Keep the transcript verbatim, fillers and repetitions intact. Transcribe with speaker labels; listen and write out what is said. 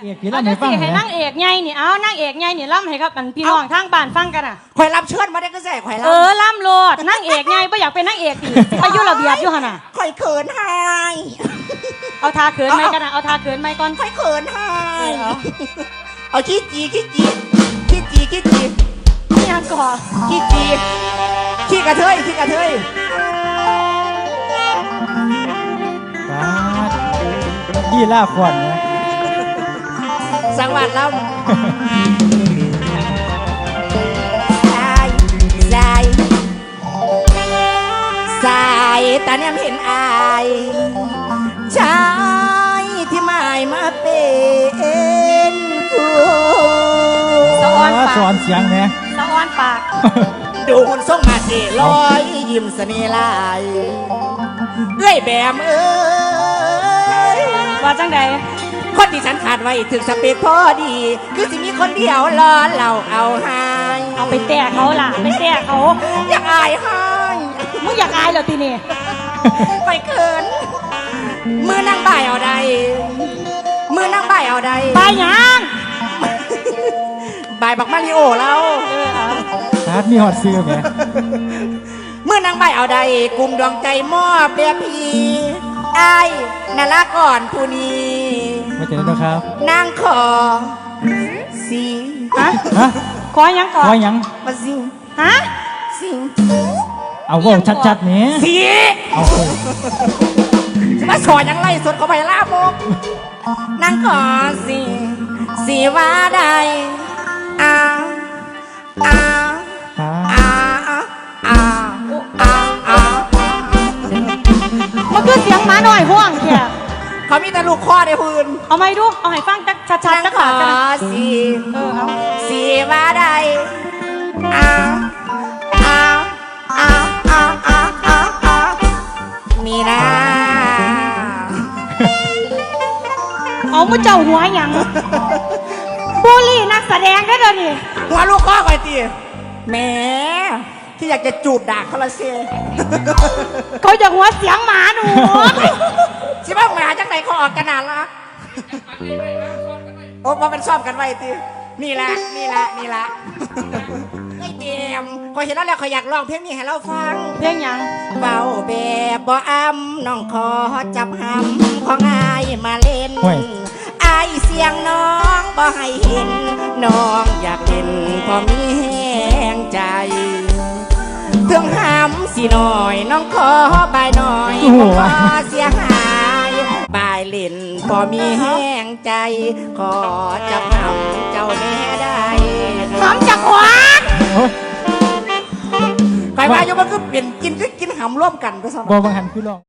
Speaker 1: เอกพี่ล่ำให้ฟังให้
Speaker 2: นั่งเอกไงนี่เอานั่งเอกไงนี่ล่ำให้ครับมันพี่น้องทางบ้านฟังกันอ่ะ
Speaker 3: ข่อยรับเชิญมาได้ก็แส่ข่อยรับ
Speaker 2: เออล่ำโลดนั่งเอกไงไม่อยากเป็นนั่งเอกดิไปยุ่ระเบียบอยู่ขนาด
Speaker 3: ข่อยเขินให้
Speaker 2: เอาทาเขินไหมกันนะเอาทาเขินไหมก่อน
Speaker 3: ข่อยเขินให้เอาขี้จีขี้จีขี้จีขี้จี
Speaker 2: นี่ยังก่อ
Speaker 3: ขี้จีขี้กระเทยขี้กระเทย
Speaker 1: ดีล่าขวัญนะ
Speaker 3: สังวัดเราสายสายสายตาเนี่ยเห็นอายชายที่ไม่มาเป็นคู่
Speaker 2: สะออนปาก
Speaker 1: สอนเสียงเนี่ย
Speaker 2: สะออนปาก
Speaker 3: ดูหุ่นทรงมาเทลอยยิ้มเสน่ห์ลายเอ้ยแบมเอ้ย
Speaker 2: ว่าจังใด
Speaker 3: คนที่ฉันขาดไว้ถึงสเปคพอดีคือสิมีคนเดียวรอเราเอาให้
Speaker 2: เอาไปแตะเขาล่ะไปแตะเขา
Speaker 3: อยากอายให้
Speaker 2: มึงอยากอายเหรอทีนี่
Speaker 3: ไปเขินมือนั่งบ่ายเอาใดมือนั่งบ่ายเอาใด
Speaker 2: บ่ายยัง
Speaker 3: บ่ายบักมาริโอเรา
Speaker 1: ฮาร์ดมีฮอตซื้อไหม
Speaker 3: เมื่อนางใบเอาใดกลุ่มดวงใจมอบเดียพีไอ้นาละก่อนผู้นี้
Speaker 1: ไม่เจอแล้วครับ
Speaker 3: นางขอสิ
Speaker 2: ฮะขอยังขอ
Speaker 1: ขอยัง
Speaker 3: มาสิ
Speaker 2: ฮะ
Speaker 3: สิ
Speaker 1: เอาว่าชัดๆนี้
Speaker 3: สิ
Speaker 1: เอา
Speaker 3: มาสอนยังไล่สดเข้าไปล่าโมกนางขอสิสิว่าใดอ้าอ้าอ้าอ้าอ้าอ้า
Speaker 2: มันคือเสียงหมาหน่อยห่วงแค่
Speaker 3: เขามีแต่ลูกคอในพื้น
Speaker 2: เอาไม่ดูเอาให้ฟังชัดๆชัดๆ
Speaker 3: ขอสี
Speaker 2: เออเอา
Speaker 3: สีว่าใดอ้าอ้าอ้าอ้าอ้าอ้าอ้ามีนะ
Speaker 2: เอามุเจ้าหัวหยังบุรีนักแสดงได้เลยนี่
Speaker 3: หัวลูกคอไปตีแหมที่อยากจะจูบด่าเขาละเซ่
Speaker 2: เขาจะหัวเสียงหมาหนู
Speaker 3: ชิบ้าหมาจากไหนเขาออกกันนานละโอ้พอเป็นซ้อมกันไว้ตีนี่แหละนี่แหละนี่แหละไอ้เดียมพอเห็นแล้วแล้วเขาอยากร้องเพลงนี้ให้เราฟัง
Speaker 2: เพลงยัง
Speaker 3: เบาแบบบ่อ้ำน้องขอจับหำของอายมาเล่นอายเสียงน้องบ่ให้เห็นน้องอยากเห็นพอมีแห้งใจเพิ่งหำสิหน่อยน้องขอบายหน่อยขอเสียหายบายเล่นพอมีแห้งใจขอจับหำเจ้าแน่ได้
Speaker 2: หำจากขวาน
Speaker 3: ไปว่าอยู่มันก็เปลี่ยนกินก็กินหำร่วมกันไปซะ
Speaker 1: บ่บางหันคือลอง